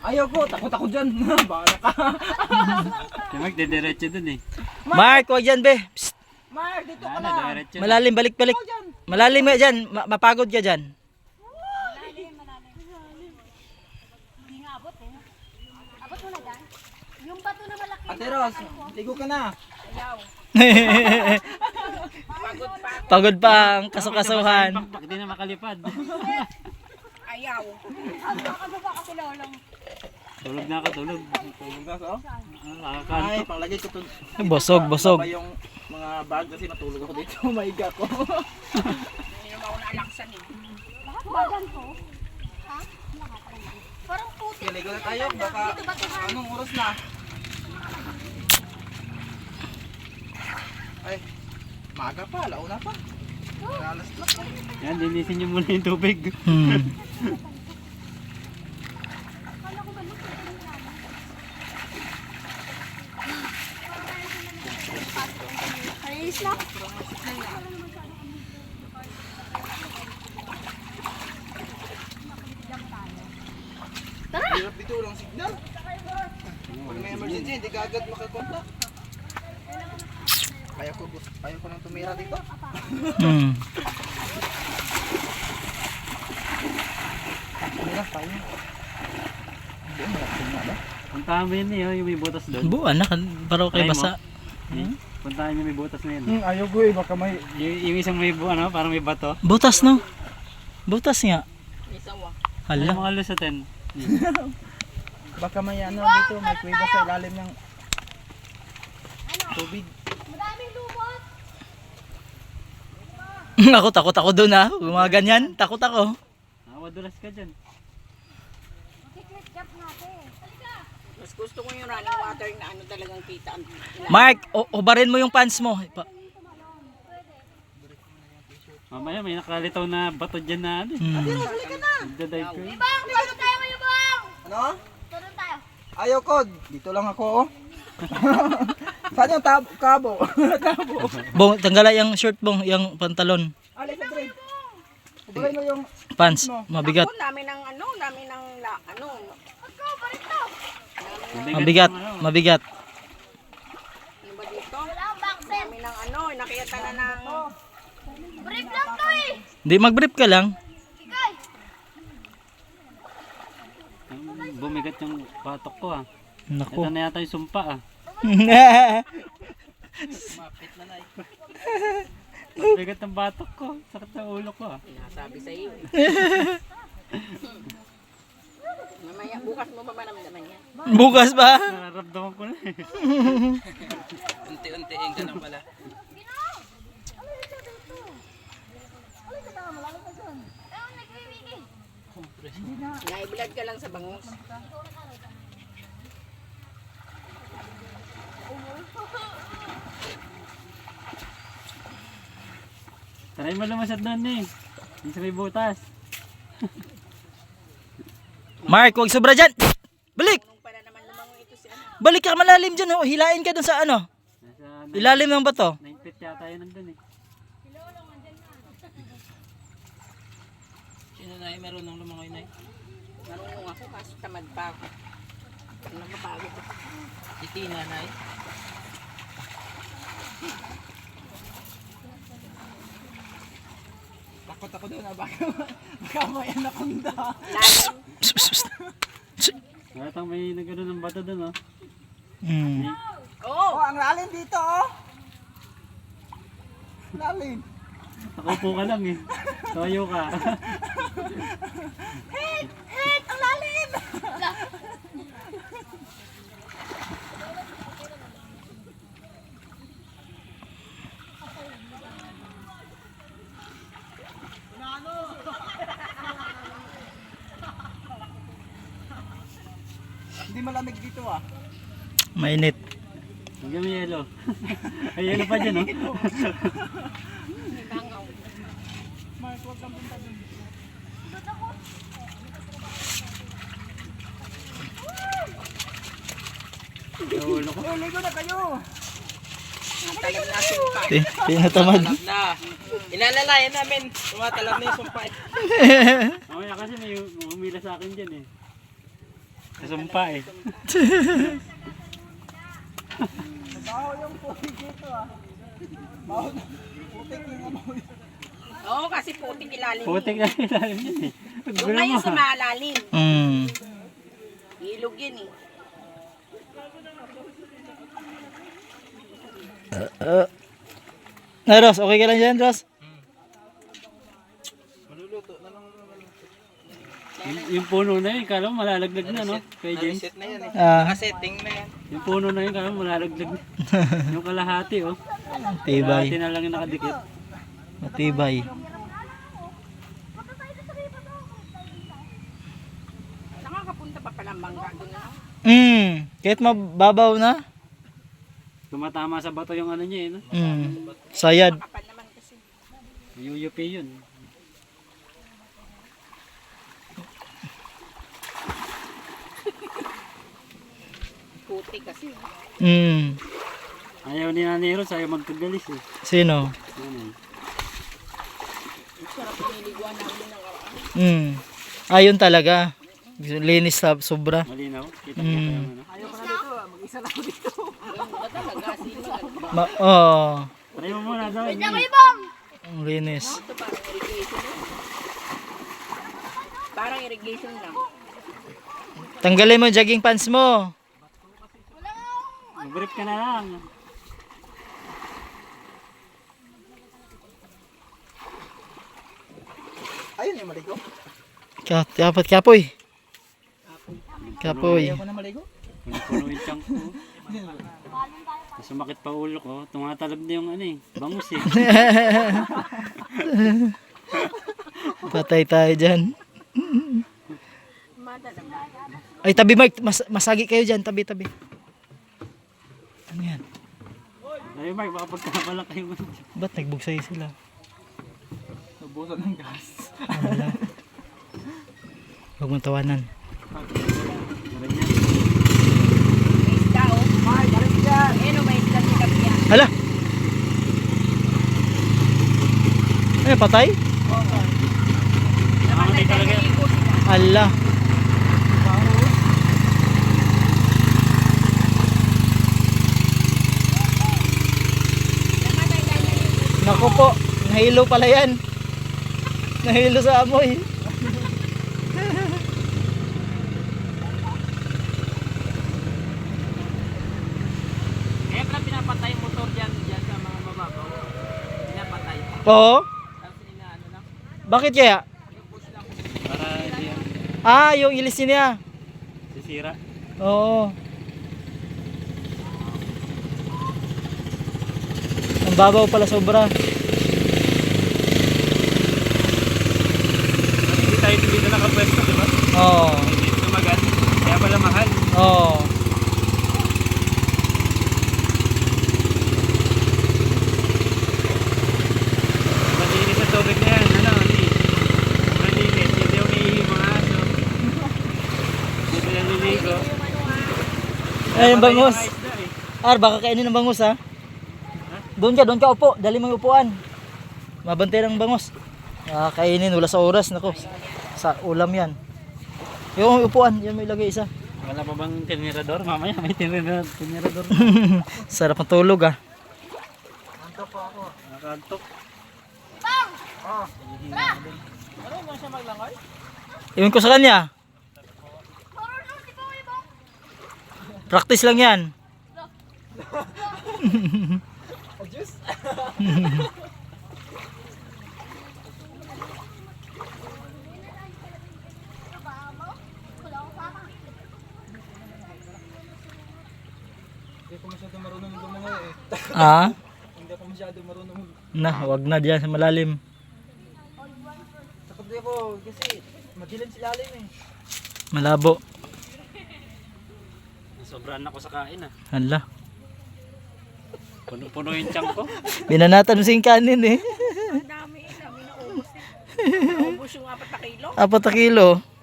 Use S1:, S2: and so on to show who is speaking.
S1: Ayaw ko, takot ako dyan. Bahala ka.
S2: Si Mark, dediretso dun eh.
S3: Mark, huwag dyan, be. Psst.
S1: Mark, dito ka
S2: Ano,
S1: na.
S2: diretso.
S3: Malalim, balik-balik. Malalim nga dyan. Mapagod ka dyan.
S4: Hindi nga abot eh. Abot mo na dyan. Yung bato na malaki.
S1: Ate Ros, ligo ka na.
S3: Pagod pa ang kasukasuhan.
S2: Pakpak, di na makalipad.
S4: Ayaw. Ano ba kasi lolong?
S2: Tulog na ako, tulog.
S1: Tulog na so. Ay,
S2: Nakakanto.
S1: panglagay ko to.
S3: Bosog, bosog.
S1: Baba yung mga bag kasi matulog ako dito. Maiga ko.
S4: Hindi naman ako naalaksan eh. Lahat bagan ko? Ha? Parang puti.
S1: Okay, ligo na tayo. Baka anong oras na? Ay, maga pa. Launa pa. Alas na pa.
S2: Yan, linisin niyo muna yung tubig.
S4: Ayos na.
S1: Hirap dito, walang signal. Pag may emergency, hindi ka agad makakontak. Ayaw ko nang tumira dito.
S3: Hmm.
S1: Tumira tayo. Hindi, malapit na ba?
S2: Puntahan mo yun eh, oh, yung may butas doon.
S3: Buwan na, paro kay
S2: Try mo.
S3: basa.
S2: Puntahan niyo may butas na yun.
S1: Ayaw ko eh, baka may...
S2: Yung isang may ano, parang may bato.
S3: Butas, no? Butas nga.
S2: Alam
S3: Hala.
S2: mga lusatin.
S1: Baka may ano dito, may kuweba sa ilalim ng tubig.
S4: Madaming lumot.
S3: Ako, takot ako dun, ha? Mga ganyan, takot ako.
S2: Madulas ka dyan.
S4: Secret job natin. Halika.
S5: Mas gusto ko yung running water na ano talagang kita.
S3: Mark, ubarin mo yung pants mo.
S2: Mamaya may nakalitaw na bato dyan na ano. Nagdadive ko yun.
S4: Bang, tulong tayo ngayon, Bang.
S1: Ano?
S4: Tulong tayo.
S1: Ayaw ko, dito lang ako oh. Saan yung kabo? Kabo.
S3: Bong, tanggalay yung shirt bong, yung pantalon.
S1: Alis na Dre. Ubay mo yung...
S3: Pants, mabigat.
S5: Ako, dami ng ano.
S4: Ako, balik to.
S3: Mabigat, mabigat.
S5: Ano ba dito?
S4: Wala akong backset.
S5: Dami ng ano, nakita na ng...
S4: Brief lang to eh.
S3: Di mag-brief ka lang.
S4: Ikay.
S2: Bumigat yung patok ko ah.
S3: Naku.
S2: Ito na yata yung sumpa ah.
S1: Mapit na na
S2: Bumigat ang batok ko. Sakit ng ulo ko ah.
S5: Nasabi sa iyo. Mamaya, bukas mo ba maramdaman yan?
S3: Bukas ba?
S2: Nararamdaman ko na eh.
S1: Unti-untiin ka lang pala.
S5: Naiblad ka lang sa bangus.
S2: Try mo lumasad doon eh. Yung sa may butas.
S3: Mark, huwag sobra dyan. Balik!
S5: Nung para naman lumangoy ito si ano.
S3: Balik ka malalim dyan. Oh. Hilain ka dun sa ano.
S2: Nasa
S3: Ilalim ng bato.
S2: 9 feet yata yun nandun eh.
S1: Sino na meron ng lumangoy na
S5: Marunong ako kaso tamad pa ako. Nakapagod ako.
S1: Iti na na Takot ako doon baka may anaconda.
S5: Lalim.
S3: Psst, psst, psst.
S2: Natang may nagano ng bato doon oh.
S3: Hmm.
S5: Oo.
S1: Oh, ang lalim dito oh. Lalim.
S2: Nakaupo ka lang eh. Toyo ka.
S4: Hit! Ang lalim!
S1: Hindi malamig dito ah.
S3: Mainit.
S2: Hanggang may yelo. Ay yelo pa dyan oh.
S1: Mark, huwag kang punta dun.
S2: Yung ulo ko.
S1: Oh, ligo na kayo.
S5: Tagal na sumpa.
S3: Tinatamad.
S1: Na. Inalalayan namin. Tumatalab na yung sumpay.
S2: Mamaya kasi may umila sa akin dyan eh. Kasumpa eh.
S1: Baho yung putik dito ah. Baho na. Putik yung amoy.
S5: Oo, kasi putik ilalim.
S2: Putik na ilalim yun eh.
S5: Yung
S2: Gulo
S5: ngayon
S2: mo
S5: sa
S2: ha.
S5: malalim.
S3: Mm.
S5: Ilog yan eh.
S3: Na Ross, okay ka lang dyan, Ross?
S2: Yung puno na yun, kala mo malalaglag na, no? Kay James.
S1: Na yan eh.
S3: Ah,
S1: Setting na yan.
S2: Yung puno na yun, kala mo malalaglag na. Yung kalahati, oh.
S3: tibay.
S2: Kalahati na lang yung nakadikit.
S3: Matibay.
S5: Nakakapunta pa palang bangka doon na.
S3: Kahit mababaw na.
S2: Tumatama sa bato yung ano niya, eh, no?
S3: Sayad.
S5: Kapal naman kasi.
S2: UUP yun.
S5: Putik kasi.
S2: Ayaw ni Nanay Rose, ayaw magkagalis, eh.
S3: Sino?
S2: Ano,
S5: Sarap piniliguan namin ng araw.
S3: Ayun talaga. Linis sa sobra.
S2: malinaw. Kita mo pa yung ano.
S5: Ba talaga? Sino?
S2: Try mo muna daw.
S3: Ang linis.
S5: Ito parang irrigation lang. Parang irrigation lang.
S3: Tanggalin mo yung jogging pants mo.
S2: Mag-brief ka na lang.
S1: Ayun yung maligo.
S3: Dapat kapoy. Kapoy.
S1: Ayaw ko na maligo.
S2: Puno yung chunk ko. Sumakit pa ulo ko. Tumatalab na yung ano eh. Bangus eh.
S3: Patay tayo dyan.
S5: Madalang.
S3: Ay, tabi Mike. Masagi kayo dyan. Tabi. Ano yan?
S2: Ay Mark, baka pagkamala kayo mo.
S3: Ba't nagbugsay sila?
S1: Nabusan ng gas.
S3: Wala. Huwag mong tawanan.
S2: Meron yan.
S5: May isda oh.
S1: Ay, balik dyan.
S5: Ayun oh, may isda sa gabi yan.
S3: Hala! Ay, patay?
S5: Namatay dahil naligo sila.
S3: Ala.
S5: Namatay dahil naligo.
S3: Naku po. Nahilo pala yan. Nahilo sa amoy.
S5: Kaya pala pinapatay yung motor dyan sa mga mababaw. Pinapatay.
S3: Oo.
S5: Tapos inaano lang.
S3: Bakit kaya?
S2: Para di yan.
S3: Yung ilis niya.
S2: Sisira.
S3: Oo. Ang babaw pala sobra.
S2: Hindi tayo dito nakapwesto, di ba?
S3: Oo.
S2: Hindi tumagal. Kaya pala mahal.
S3: Oo.
S2: Malinis sa tubig na yan. Ano, hindi. Malinis. Hindi yung iihi mga aso. Hindi sila niligo.
S3: Ay, yung bangus.
S2: Patay yung mga isda, eh.
S3: Baka kainin ng bangus ha. Doon ka upo. Dali mo yung upuan. Mabantay ng bangus. Kainin, wala sa oras. Nako, sa ulam yan. Yung upuan, yan mo ilagay isa.
S2: Wala pa bang tinirador? Mamaya may tinirador.
S3: Sarap ng tulog ah.
S1: Antok po ako.
S2: Nakaantok.
S3: Iwan ko sa kanya. Practice lang yan.
S1: Adjust. Hindi ko masyado marunong gumangoy eh. Hindi ako masyado marunong.
S3: Wag na diyan sa malalim.
S1: Takot di ako kasi madilim si lalim eh.
S3: Malabo.
S2: Sobrang ako sa kain ah.
S3: Hala.
S2: Puno-puno yung chunk ko.
S3: Binanatan mo sing kanin eh.
S5: Ang dami naubos eh. Naubos yung 4 na kilo.
S3: 4 kilo.